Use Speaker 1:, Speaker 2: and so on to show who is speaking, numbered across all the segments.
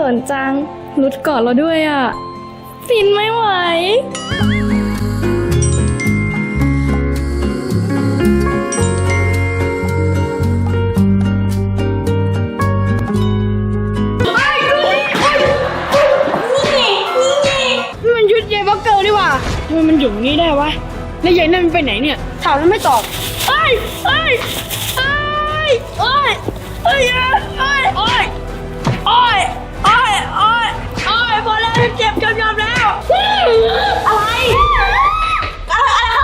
Speaker 1: ขินจังรุดกอดเราด้วยอ่ะฟินไม่ไหว
Speaker 2: มันชุดยายบ็อกเกอร์ดีว่าทำไมมันอยู่นี่ได้วะแล้วยายนั่นมันไปไหนเนี่ยถามแล้วไม่ตอบเอ้ยเอ้ยเอ้ยเอ้ยเอ้ยเอ้ยเอ้ยเอ้ยเอ้ยเอ้ยเอ้ยพอแล้วเจ็บจนยอมแล้วอะไรข้างหลัง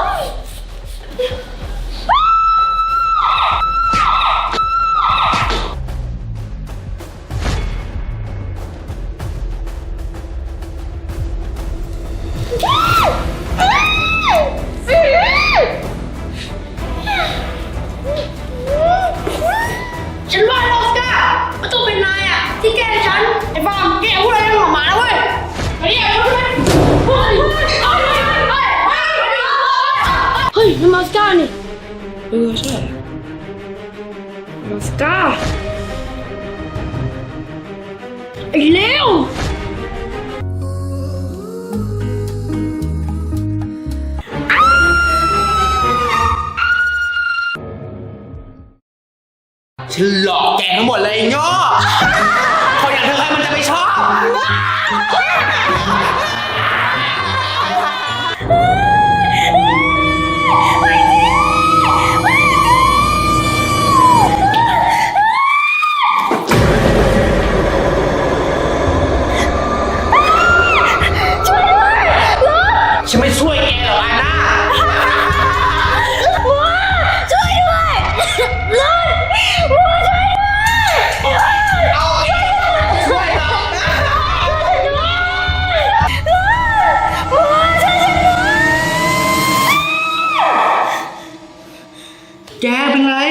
Speaker 2: ฉันว่าลอสก้ามันต้องเป็นนายอ่ะที่แกล้งฉันไอ้ฟาร์มแกพูดอะไรของหมาแล้วเว้ยไอ้เนี่ยเฮ้ยมันลอสก้านี่ใช่ลอสก้าไอ้เลว
Speaker 3: ฉันหลอกแกทั้งหมดเลยโง่คนอย่างเธอใครมันจะไม่ชอบฉันไม่ช่วยแกหรอกอาน่าแกเป็นไร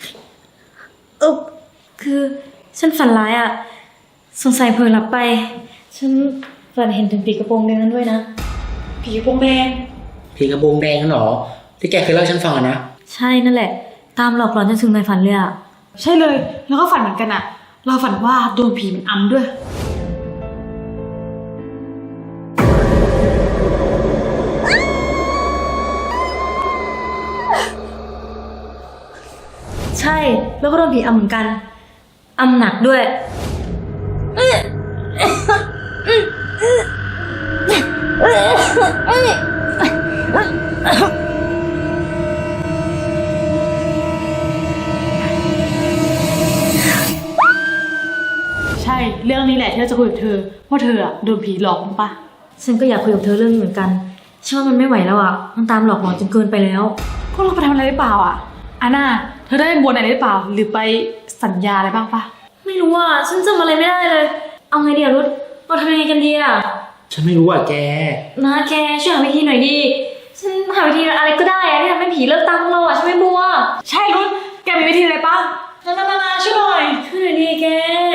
Speaker 1: คือฉันฝันร้ายอ่ะสงสัยเผลอหลับไปฉันฝันเห็นถึงผีกระโปรงแดงนั้นด้วยนะผีกระโปรงแดง
Speaker 3: ผีกระโปรงแดงนั่นหรอที่แกเคยเล่าให้ฉันฟังนะ
Speaker 1: ใช่นั่นแหละตามหลอกหลอนจนถึงในฝันเลยอ่ะ
Speaker 2: ใช่เลยแล้วก็ฝันเหมือนกันอะเราฝันว่าโดนผีมันอำด้วย
Speaker 1: ใช่แล้วก็โดนผีอำเหมือนกันอำหนักด้วย
Speaker 2: ใช่เรื่องนี้แหละที่เราจะคุยกับเธอว่าเธออะโดนผีหลอกมั้งปะ
Speaker 1: ฉันก็อยากคุยกับเธอเรื่องนี้เหมือนกันฉันว่ามันไม่ไหวแล้วอ่ะมันตามหลอกหลอนจนเกินไปแล้ว
Speaker 2: พวกเราไปทำอะไรหรือเปล่าอะอาน่าเธอได้บนอะไรหรือเปล่าหรือไปสัญญาอะไรบ้างปะ
Speaker 1: ไม่รู้อ่ะฉันจำอะไรไม่ได้เลยเอาไงดีอะรุดเราทำยังไงกันดีอะ
Speaker 3: ฉันไม่รู้อ่ะแก
Speaker 1: นะแกช่วยหาวิธีหน่อยดิฉันหาวิธีอะไรก็ได้อะที่ทำให้ผีเลิกตามพวกเราอะฉันไม่บัว
Speaker 2: ใช่รุดแกมีวิธีอะไรปะนาช่วยหน่อย
Speaker 1: ช่วยหน่อยดิแก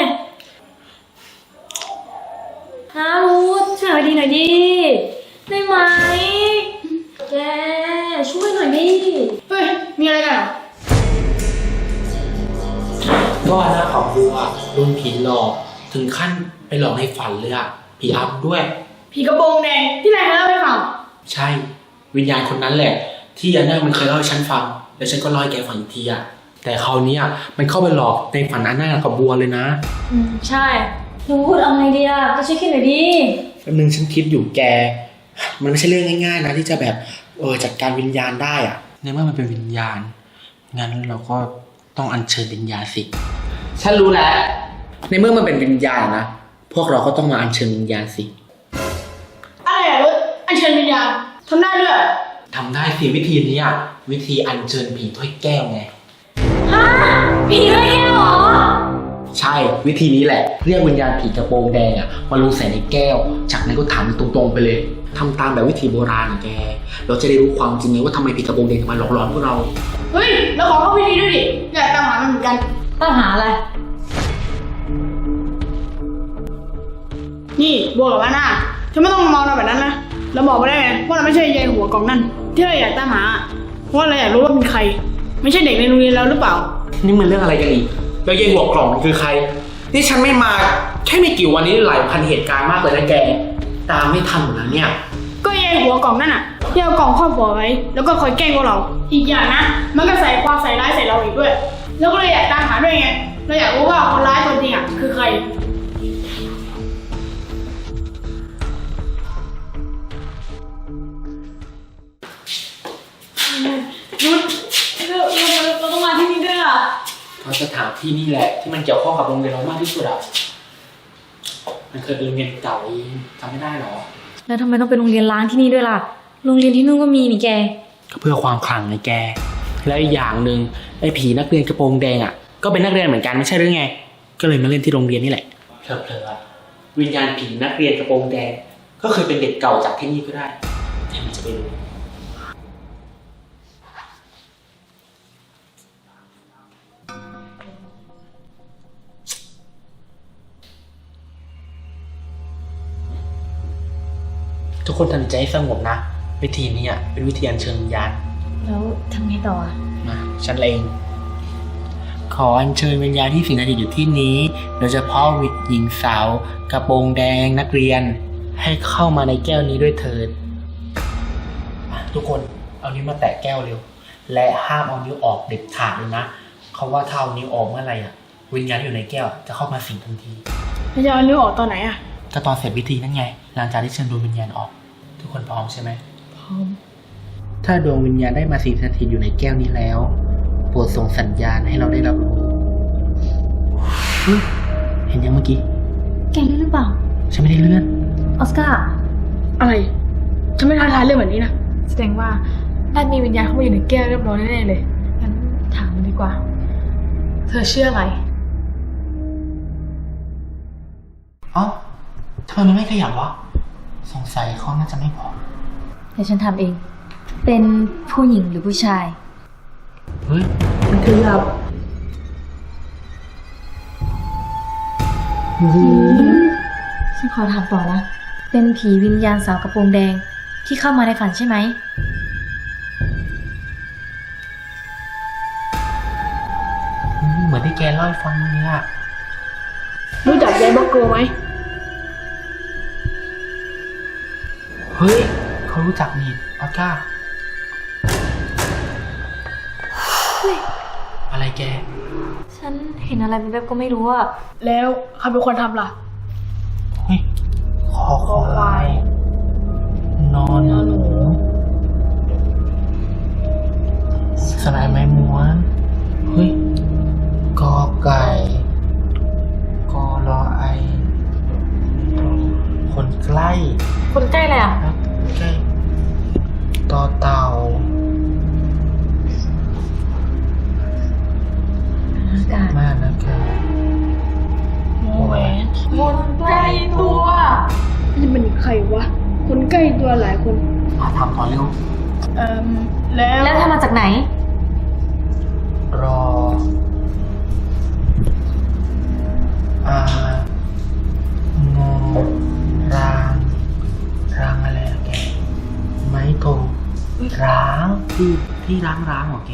Speaker 1: นะรุดช่วยหาวิธีหน่อยดิได้ไหมแกช่วยหน่อยดิ
Speaker 2: เฮ้ยมีอะไรกัน
Speaker 3: ก็หน้าของบัวโดนผีหลอกถึงขั้นไปหลอกในฝันเลยอ่ะผีอำด้วย
Speaker 2: ผีกระโปรงแดงที่นายเคยเล่าให้ฟัง
Speaker 3: ใช่วิญญาณคนนั้นแหละที่อาน่ามันเคยเล่าให้ฉันฟังแล้วฉันก็เล่าให้แกฟังอีกทีอ่ะแต่คราวนี้มันเข้าไปหลอกในฝันอาน่ากับบัวเลยนะ
Speaker 1: ใช่รู้พูดเอาไงดีอ่ะก็ช่วยคิดหน่อยดิ
Speaker 3: แป๊บนึงฉันคิดอยู่แกมันไม่ใช่เรื่องง่ายๆนะที่จะแบบจัดการวิญญาณได้อ่ะในเมื่อมันเป็นวิญญาณงั้นเราก็ต้องอัญเชิญวิญญาณสิฉันรู้แล้วในเมื่อมันเป็นวิญญาณนะพวกเราก็ต้องมาอัญเชิญวิญญาณสิ
Speaker 2: อะไรอ่ะรุดอัญเชิญวิญญาณทำได้ด้วย
Speaker 3: ทำได้สิวิธีนี้วิธีอัญเชิญผีถ้วยแก้วไง
Speaker 1: ฮะผีถ้วยแก้วเหรอ
Speaker 3: ใช่วิธีนี้แหละเรียกวิญญาณผีกระโปรงแดงมาลงใส่ในแก้วจากนั้นก็ถามตรงๆไปเลยทำตามแบบวิธีโบราณแกเราจะได้รู้ความจริงไงว่าทำไมผีกระโปรงแดงถึงมาหลอกหลอนพวกเรา
Speaker 2: เฮ้ยเราขอเข้าวิธีด้วยดิอยากตามหามันเหมือนกัน
Speaker 1: ตามหาอะไร
Speaker 2: นี่บัวกับว่าหน้าเธอไม่ต้องมองเราแบบนั้นนะเราบอกไม่ได้ไงว่าเราไม่ใช่ยายหัวกล่องนั่นที่เราอยากตามหาเพราะเราอยากรู้ว่าเป็นใครไม่ใช่เด็กในโรงเรียนเราหรือเปล่า
Speaker 3: นี่มันเรื่องอะไรกันอีกแล้วยายหัวกล่องคือใครนี่ฉันไม่มาแค่ไม่กี่วันนี้หลายพันเหตุการณ์มากเลยนะแกตามไม่ทันหมดแล้วเนี่ย
Speaker 2: ก็ยายหัวกล่องนั่นน่ะที่เอากล่องครอบหัวไว้แล้วก็คอยแกล้งพวกเราอีกอย่างนะมันก็ใส่ความใส่ร้ายใส่เราอีกด้วยแล้วก็เลยอยากตามหาด้วยไงเราอยากรู้ว่าคนร้ายตัวจริงอ่ะคือใครยุดเราต้องมาที่นี่ด้วยอ่ะ
Speaker 3: เพราะสถานที่นี่แหละที่มันเกี่ยวข้องกับโรงเรียนเรามากที่สุดอ่ะมันเคยเป็นโรงเรียนเก่าเองจำไม่ได้หรอ
Speaker 1: แล้วทำไมต้องเป็นโรงเรียนล้างที่นี่ด้วยล่ะ โรงเรียนที่นู่นก็มีนี่แก
Speaker 3: ก็เพื่อความขลังไงแกแล้วอีกอย่างหนึ่งไอ้ผีนักเรียนกระโปรงแดงอ่ะก็เป็นนักเรียนเหมือนกันไม่ใช่หรือไงก็เลยมาเล่นที่โรงเรียนนี่แหละเพลอๆวิญญาณผีนักเรียนกระโปรงแดงก็เคยเป็นเด็กเก่าจากที่นี่ก็ได้แต่มันจะไปรู้ทุกคนทำใจให้สงบนะวิธีนี้อ่ะเป็นวิธีอัญเชิญวิญญาณ
Speaker 1: แล้วทำไงต่ออ่ะ
Speaker 3: มาฉันเองขออัญเชิญวิญญาณที่สิงสถิตอยู่ที่นี้โดยเฉพาะหญิงสาวกระโปรงแดงนักเรียนให้เข้ามาในแก้วนี้ด้วยเถิดทุกคนเอานิ้วมาแตะแก้วเร็วและห้ามเอานิ้วออกเด็ดขาดเลยนะเขาว่าถ้าเอานิ้วออกเมื่อไหร่อ่ะวิญญาณที่อยู่ในแก้วจะเข้ามาสิงทันที
Speaker 2: เราจะเอานิ้วออกตอนไหนอ่ะ
Speaker 3: ก็ตอนเสร็จพิธีนั่นไงหลังจากที่เชิญดวงวิญญาณออกทุกคนพร้อมใช่ไหมพร้อมถ้าดวงวิญญาณได้มาสิงสถิตอยู่ในแก้วนี้แล้วโปรดส่งสัญญาณให้เราได้รับรู้เห็นยังเมื่อกี้
Speaker 1: แกเลื่อนหรือเปล่า
Speaker 3: ฉันไม่ได้เลื่อน
Speaker 1: ออสการ์
Speaker 2: อะไรฉันไม่ท้าทายเรื่องแบบนี้นะ
Speaker 4: แสดงว่าน่ามีวิญญาณเข้ามาอยู่ในแก้วเรียบร้อยแน่ๆเลย งั้นถามมันดีกว่า เธอเชื่ออะไร
Speaker 3: เอ้าทำไมมันไม่ขยับวะสงสัยเขาน่าจะไม่พอ
Speaker 1: เดี๋ยวฉันทำเอง เป็นผู้หญิงหรือผู้ชาย
Speaker 3: เฮ้ย
Speaker 4: มันขยับ
Speaker 1: ฉันขอถามต่อนะ เป็นผีวิญญาณสาวกระโปรงแดงที่เข้ามาในฝันใช่ไหม
Speaker 3: เหมือนที่แกเล่าให้ฟังเลยอะ
Speaker 2: รู้จักยายบล็อกเกอร์ไหม
Speaker 3: เฮ้ยเขารู้จักนี่ออสการ์อะไรแก
Speaker 1: ฉันเห็นอะไรแบบก็ไม่รู้อะ
Speaker 2: แล้วใครเป็นคนทำล่ะ
Speaker 3: เฮ้ยคอควายนอนหนูสลายไม้ม้วนเฮ้ยกอไก่กอรอไอคนใกล้
Speaker 1: คนใกล้เลยอะ
Speaker 3: ครับใกล้ต่อเต่า
Speaker 1: อากาศ
Speaker 3: มากนะแกแหวน
Speaker 4: คนใกล้ตัว
Speaker 2: นี่มันใครวะ คนใกล้ตัวหลายคน
Speaker 3: ทำต่อเร็ว
Speaker 2: แล้ว
Speaker 1: แล้วถ้ามาจากไหน
Speaker 3: รองอรางอะไรอะแกไม้โทร้างที่ร้างเหรอแก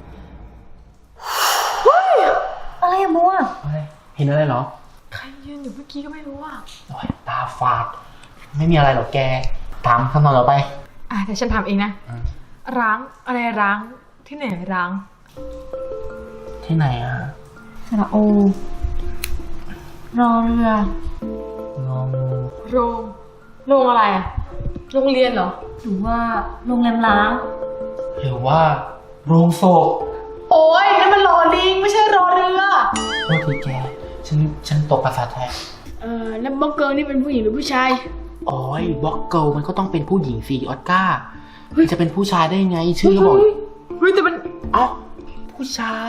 Speaker 1: อะไรอะบัว
Speaker 3: อะไรเห็นอะไรเหรอ
Speaker 4: ใครยืนอยู่เมื่อกี้ก็ไม่รู้อ่ะ
Speaker 3: โอ้ยตาฝาดไม่มีอะไรหรอกแกถามคำตอบต่อไป
Speaker 4: เดี๋ยวฉันถามเองนะ ร้างอะไรร้าง ที่ไหนร้าง
Speaker 3: ที่ไหนอะ
Speaker 1: สระโอ รอเรือ
Speaker 3: งองู
Speaker 4: โรงอะไรอ่ะ โรงเรียนเหรอ
Speaker 1: หรือว่าโรงแรมล้าง
Speaker 3: หรือว่าโรงศพ
Speaker 4: โอ้ยนั่นมันรอลิงไม่ใช่รอเรือ
Speaker 3: โทษทีแกฉันตกภาษาไทย
Speaker 2: แล้วบล็อกเกอร์นี่เป็นผู้หญิงหรือผู้ชาย
Speaker 3: โอ้ยบล็อกเกิลมันก็ต้องเป็นผู้หญิงสิออสการ์จะเป็นผู้ชายได้ไงชื่อก็บอก
Speaker 4: เฮ้ยแต่มัน
Speaker 3: เอ้าผู้ชาย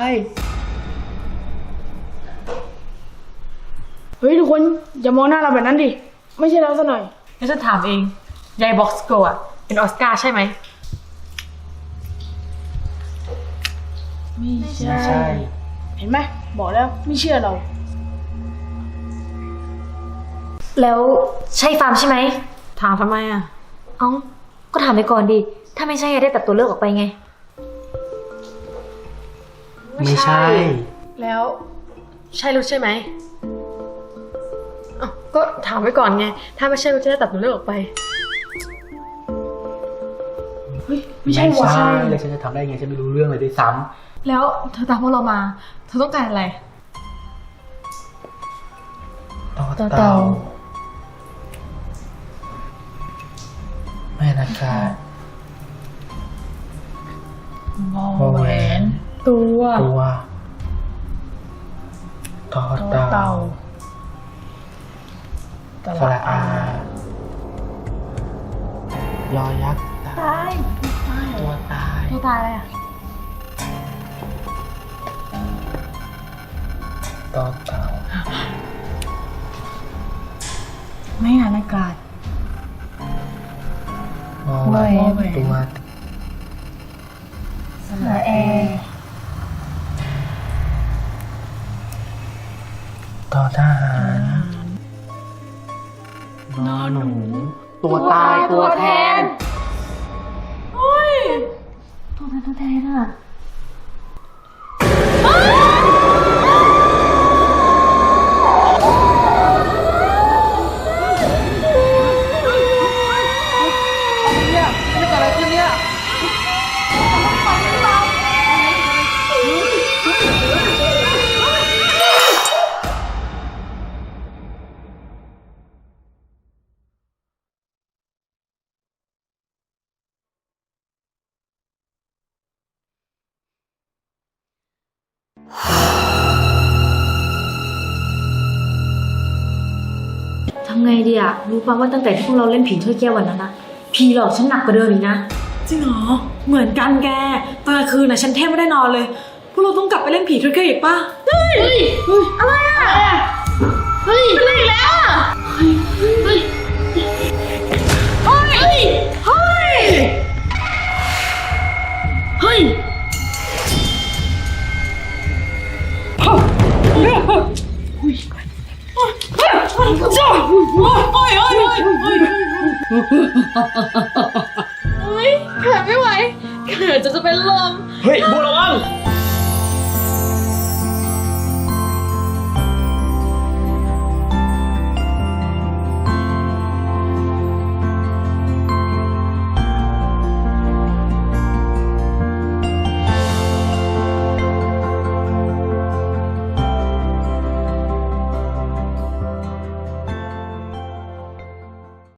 Speaker 2: เฮ้ยทุกคนอย่ามองหน้าเราแบบนั้นดิ ไม่ใช่เราซะหน่อย
Speaker 4: งั้นฉันถามเอง ยายบ็อกซ์โกอ่ะ เป็นออสการ์ใช่ไหม
Speaker 2: ไม่ใช่
Speaker 3: ไม่ใช่
Speaker 2: เห็นไหมบอกแล้วไม่เชื่อเรา
Speaker 1: แล้วใช่ฟาร์มใช่ไหม
Speaker 4: ถามทำไมอ่ะ
Speaker 1: เอ้า ก็ถามไปก่อนดิ ถ้าไม่ใช่ได้ตัดตัวเลือกออกไปไง
Speaker 3: ไม่ใช่
Speaker 4: แล้ว ใช่รู้ใช่ไหมก็ถามไว้ก่อนไง ถ้าไม่ใช่ก็จะได้ตัดตัวเลือกออกไป เฮ้ย ไม่ใช่วะ
Speaker 3: เลยฉันจะทำได้ไงฉันไม่รู้เรื่องเลยด้วยซ้
Speaker 4: แล้วเธอตามพวกเรามา เธอต้องการอะไร
Speaker 3: ำ
Speaker 4: ต่อเต่า
Speaker 3: แม่นะคะ
Speaker 4: วอแหวน ตัว
Speaker 3: ตัวต่อเต่าสระอายอยักษ์ตายตัวตาย
Speaker 4: ตัวตายอะไรอ่ะ
Speaker 3: ต่อเต่า
Speaker 4: ไม่งานอากาศ
Speaker 3: วอแหวนตัว
Speaker 4: สระแอ
Speaker 3: ต่อทหารนอหนู ตัวตายตัวแทน
Speaker 1: ตัวแทนอ่ะ ทำไงดีอะรู้ป่ะว่าตั้งแต่ที่พวกเราเล่นผีถ้วยแก้ววันนั้นนะผีหลอกฉันหนักกว่าเดิมอีกนะ
Speaker 2: จริงเหรอ เหมือนกันแก ตอนกลางคืนน่ะฉันแทบไม่ได้นอนเลย พวกเราต้องกลับไปเล่นผีถ้วยแก้วอีกป่ะ
Speaker 4: อะไรอ่ะ เฮ้ยเป็นอะไรอีกแล้วอ่ะ เฮ้ย
Speaker 2: เฮ้ย เฮ้ย เฮ้ย จ้าโอ้ยโอ้ยโอ้ยโอ้ย
Speaker 4: เฮ้ยแผลไม่ไหวเกิดจะเป็นลม